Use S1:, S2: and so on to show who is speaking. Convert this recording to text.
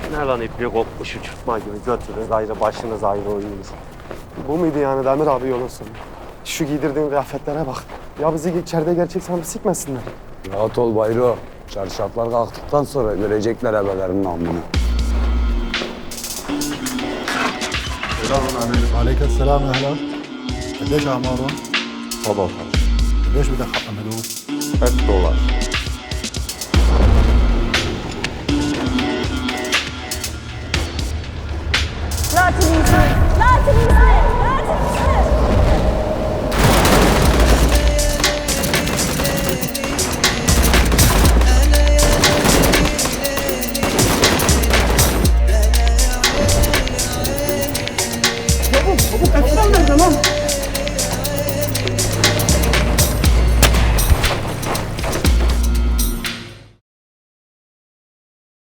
S1: Ne lan ipliği kopmuş uçurtma gibi götürür ayrı başınız ayrı oyunuz. Bu muydu yani Demir abi yolun sonu? Şu giydirdiğin kıyafetlere bak. Ya bizi içeride gerçek sanıp sikmesinler.
S2: Rahat ol Bayro. Çarşaflar kalktıktan sonra görecekler ebelerinin namını.
S3: عليك السلام اهلا قديش اعمارهم؟
S4: 17
S3: قديش بدك حق ملوك؟
S4: $3
S5: لا تنسى لا تنسى